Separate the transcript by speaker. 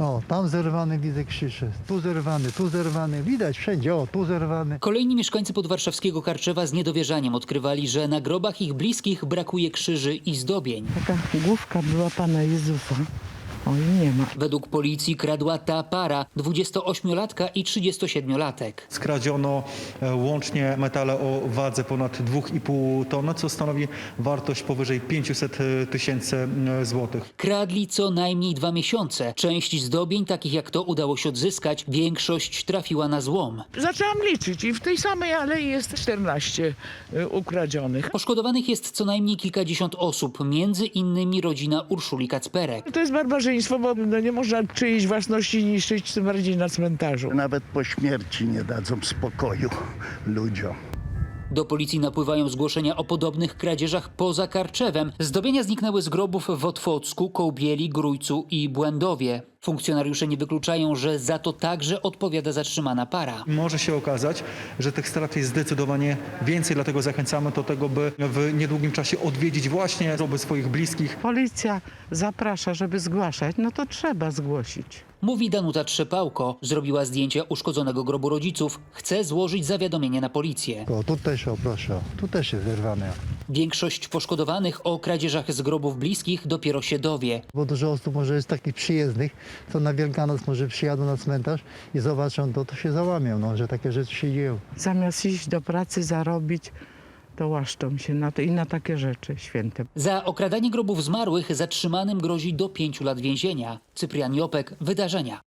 Speaker 1: O, tam zerwany, widzę krzyże. Tu zerwany. Widać wszędzie, o, tu zerwany.
Speaker 2: Kolejni mieszkańcy podwarszawskiego Karczewa z niedowierzaniem odkrywali, że na grobach ich bliskich brakuje krzyży i zdobień.
Speaker 3: Taka główka była Pana Jezusa. Oj, nie ma.
Speaker 2: Według policji kradła ta para, 28-latka i 37-latek.
Speaker 4: Skradziono łącznie metale o wadze ponad 2,5 tony, co stanowi wartość powyżej 500 tysięcy złotych.
Speaker 2: Kradli co najmniej 2 miesiące. Część zdobień, takich jak to, udało się odzyskać. Większość trafiła na złom.
Speaker 5: Zaczęłam liczyć i w tej samej alei jest 14 ukradzionych.
Speaker 2: Poszkodowanych jest co najmniej kilkadziesiąt osób, między innymi rodzina Urszuli Kacperek.
Speaker 5: To jest barbarzyństwo, bo nie można czyjejś własności niszczyć, tym bardziej na cmentarzu.
Speaker 6: Nawet po śmierci nie dadzą spokoju ludziom.
Speaker 2: Do policji napływają zgłoszenia o podobnych kradzieżach poza Karczewem. Zdobienia zniknęły z grobów w Otwocku, Kołbieli, Grójcu i Błędowie. Funkcjonariusze nie wykluczają, że za to także odpowiada zatrzymana para.
Speaker 4: Może się okazać, że tych strat jest zdecydowanie więcej, dlatego zachęcamy do tego, by w niedługim czasie odwiedzić właśnie groby swoich bliskich.
Speaker 3: Policja zaprasza, żeby zgłaszać, no to trzeba zgłosić.
Speaker 2: Mówi Danuta Trzepałko. Zrobiła zdjęcia uszkodzonego grobu rodziców. Chce złożyć zawiadomienie na policję.
Speaker 1: O, tu też, o proszę, tu też jest zerwane.
Speaker 2: Większość poszkodowanych o kradzieżach z grobów bliskich dopiero się dowie.
Speaker 1: Bo dużo osób może jest takich przyjezdnych, co na Wielkanoc może przyjadą na cmentarz i zobaczą to się załamią, no, że takie rzeczy się dzieją.
Speaker 3: Zamiast iść do pracy, zarobić, to łaszczą się na to i na takie rzeczy święte.
Speaker 2: Za okradanie grobów zmarłych zatrzymanym grozi do 5 lat więzienia. Cyprian Jopek, Wydarzenia.